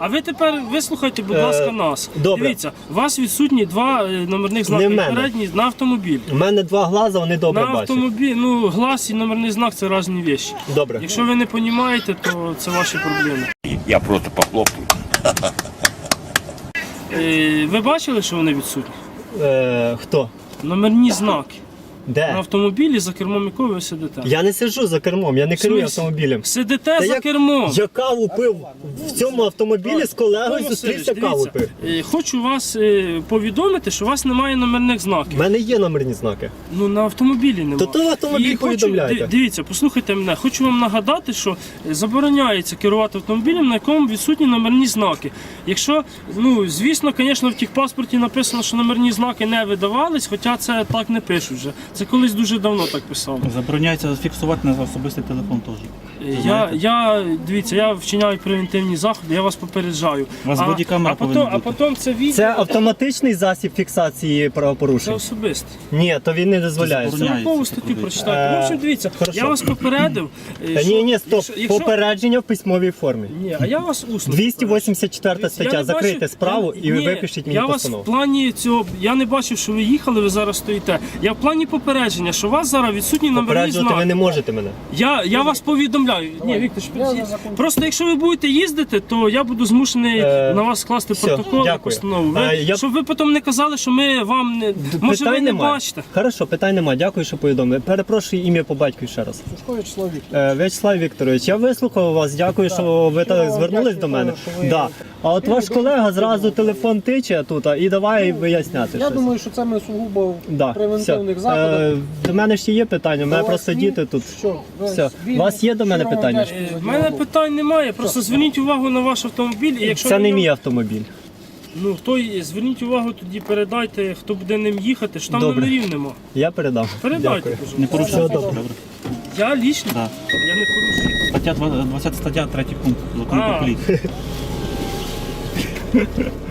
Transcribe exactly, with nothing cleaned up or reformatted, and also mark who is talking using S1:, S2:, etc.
S1: А ви тепер вислухайте, будь ласка,
S2: Е,
S1: нас.
S2: добре.
S1: Дивіться, у вас відсутні два е, номерних знаки
S2: Не в мене.
S1: передні на автомобіль.
S2: У мене два глаза, вони добре
S1: На
S2: бачать.
S1: автомобіль, ну, глаз і номерний знак – це різні речі.
S2: Добре.
S1: Якщо ви не розумієте, то це ваші проблеми.
S3: Я просто похлопаю.
S1: Е, ви бачили, що вони відсутні?
S2: Е, хто?
S1: Номерні знаки. На
S2: Де?
S1: автомобілі, за кермом якого ви сидите.
S2: Я не сиджу за кермом, я не керую
S1: смислі?
S2: автомобілем.
S1: Сидите
S2: Та
S1: за
S2: я-
S1: кермом.
S2: Я каву пив в цьому автомобілі з колегою,
S1: Павло
S2: зустрівся,
S1: Васильович,
S2: каву
S1: дивіться,
S2: пив.
S1: е, хочу вас е, повідомити, що у вас немає номерних
S2: У
S1: знаків.
S2: мене є номерні знаки.
S1: Ну, на автомобілі немає.
S2: То то в автомобіль
S1: І хочу-
S2: повідомляйте.
S1: ди- Дивіться, послухайте мене. Хочу вам нагадати, що забороняється керувати автомобілем, на якому відсутні номерні знаки. Якщо, ну, звісно, звісно, в техпаспорті написано, що номерні знаки не видавались, хоча це так не пишуть вже. Це колись дуже давно так писали.
S4: Забороняється фіксувати на особистий телефон теж.
S1: Я, я, дивіться, я вчиняю превентивні заходи, я вас попереджаю.
S4: У вас
S1: а,
S4: бодікамера
S1: а потім,
S4: повинна
S1: а
S4: бути.
S1: потім це відео,
S2: Це автоматичний засіб фіксації
S1: це
S2: правопорушень?
S1: особисте.
S2: Ні, то він не дозволяє.
S4: Це забороняє.
S1: сорокову
S4: це
S1: статтю
S4: робити.
S1: прочитайте. В общем, дивіться,
S2: хорошо.
S1: я вас попередив. е,
S2: Та
S1: що-
S2: ні, ні, стоп.
S1: якщо- якщо-
S2: Попередження в письмовій формі.
S1: Ні, а я вас усно.
S2: двісті вісімдесят четверта
S1: Дивіться, я
S2: стаття.
S1: не
S2: Закрийте
S1: бачив-
S2: справу
S1: я-
S2: і ви
S1: ні,
S2: випишіть мені
S1: Я вас
S2: постанову.
S1: в плані цього, я не бачив, що ви їхали, ви зараз стоїте. Я в плані попередження, що у вас зараз відсутні номерні
S2: Попереджувати ви
S1: знаки.
S2: не можете мене.
S1: Я, я вас повідомляю. Ні, Віктор, просто якщо ви будете їздити, то я буду змушений
S2: Е,
S1: на вас скласти
S2: все,
S1: протокол і
S2: дякую.
S1: постанову. Ви,
S2: Е, я-
S1: Щоб ви потім не казали, що ми вам не. Може, ви не
S2: немає.
S1: бачите.
S2: Хорошо, питань немає. Дякую, що повідомили. Перепрошую ім'я по батькові ще раз. Е, В'ячеслав Вікторович, я вислухав вас. Дякую, що ви так звернулись до мене. Да. А от ваш колега зразу телефон тиче тут а, і давай виясняти.
S5: Я
S2: щось.
S5: думаю, що це ми сугубо в
S2: Да,
S5: превентивних
S2: все.
S5: заходах.
S2: Е, До мене ще є питання, у мене
S5: У вас
S2: просто
S5: є?
S2: діти тут.
S5: Що? Ви
S2: Все.
S5: вільні?
S2: У вас є до мене
S5: Щиро вам
S2: питання?
S5: вдячний за
S1: В мене
S5: діалог.
S1: питань немає. Просто зверніть увагу на ваш автомобіль. І якщо
S2: Це
S1: ви
S2: не
S1: його-
S2: мій автомобіль.
S1: Ну, хто й- зверніть увагу, тоді передайте, хто буде ним їхати, що там
S2: Добре.
S1: номерів нема.
S2: Я передам.
S1: Передайте,
S2: Дякую.
S1: пожалуйста.
S4: Не порушуйте.
S2: Все добре.
S4: Добре.
S1: Я лічно,
S4: Да.
S1: я не порушую.
S4: Стаття двадцята стаття, третій пункт закону
S1: А.
S4: про поліцію.